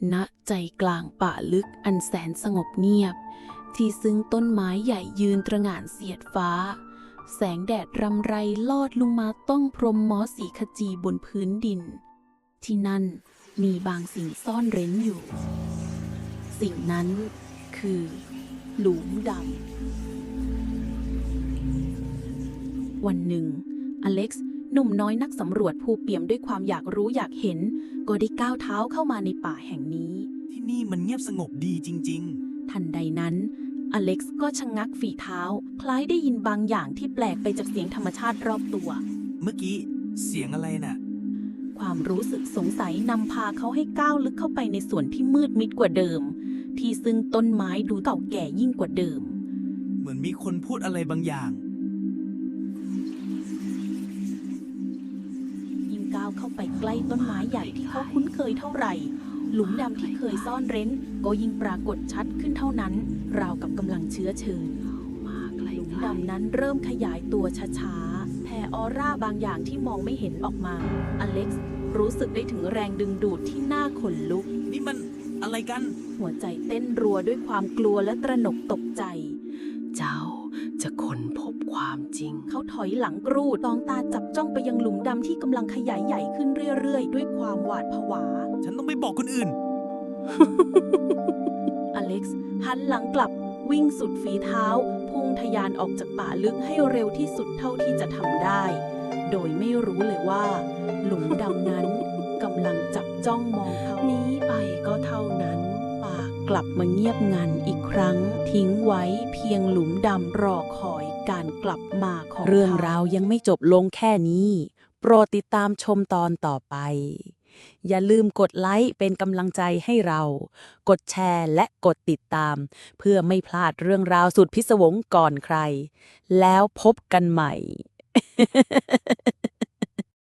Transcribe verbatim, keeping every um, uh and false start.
ณใจกลางป่าลึกอันแสนสงบเงียบที่ซึ่งต้นไม้ใหญ่ยืนตระหง่านเสียดฟ้าแสงแดดรำไรลอดลงมาต้องพรมมอสีขจีบนพื้นดินที่นั่นมีบางสิ่งซ่อนเร้นอยู่สิ่งนั้นคือหลุมดำวันหนึ่งอเล็กซ์หนุ่มน้อยนักสำรวจผู้เปี่ยมด้วยความอยากรู้อยากเห็นก็ได้ก้าวเท้าเข้ามาในป่าแห่งนี้ที่นี่มันเงียบสงบดีจริงทันใดนั้นอเล็กซ์ก็ชะงักฝีเท้าคล้ายได้ยินบางอย่างที่แปลกไปจากเสียงธรรมชาติรอบตัวเมื่อกี้เสียงอะไรน่ะความรู้สึกสงสัยนำพาเขาให้ก้าวลึกเข้าไปในส่วนที่มืดมิดกว่าเดิมที่ซึ่งต้นไม้ดูเก่าแก่ยิ่งกว่าเดิมเหมือนมีคนพูดอะไรบางอย่างยิ่งก้าวเข้าไปใกล้ต้นไม้ใหญ่ที่เขาคุ้นเคยเท่าไหร่หลุมดำที่เคยซ่อนเร้นก็ยิ่งปรากฏชัดขึ้นเท่านั้นราวกับกำลังเชื้อเชิญหลุมดำนั้นเริ่มขยายตัวช้าๆแผ่ออร่าบางอย่างที่มองไม่เห็นออกมาอเล็กซ์รู้สึกได้ถึงแรงดึงดูดที่น่าขนลุกนี่มันอะไรกันหัวใจเต้นรัวด้วยความกลัวและตระหนกตกใจเจ้าจะค้นพบความจริงเขาถอยหลังกรูดตองตาจับจ้องไปยังหลุมดำที่กำลังขยายใหญ่ขึ้นเรื่อยๆด้วยความหวาดผวาฉันต้องไปบอกคนอื่นอเล็กซ์หันหลังกลับวิ่งสุดฝีเท้าพุ่งทะยานออกจากป่าลึกให้เร็วที่สุดเท่าที่จะทำได้โดยไม่รู้เลยว่าหลุมดำนั้นกำลังจับจ้องมองเขาหนีไปก็เท่านั้นป่ากลับมาเงียบงันอีกครั้งทิ้งไว้เพียงหลุมดำรอคอยการกลับมาของเรื่องราวยังไม่จบลงแค่นี้โปรดติดตามชมตอนต่อไปอย่าลืมกดไลค์เป็นกำลังใจให้เรากดแชร์และกดติดตามเพื่อไม่พลาดเรื่องราวสุดพิศวงก่อนใครแล้วพบกันใหม่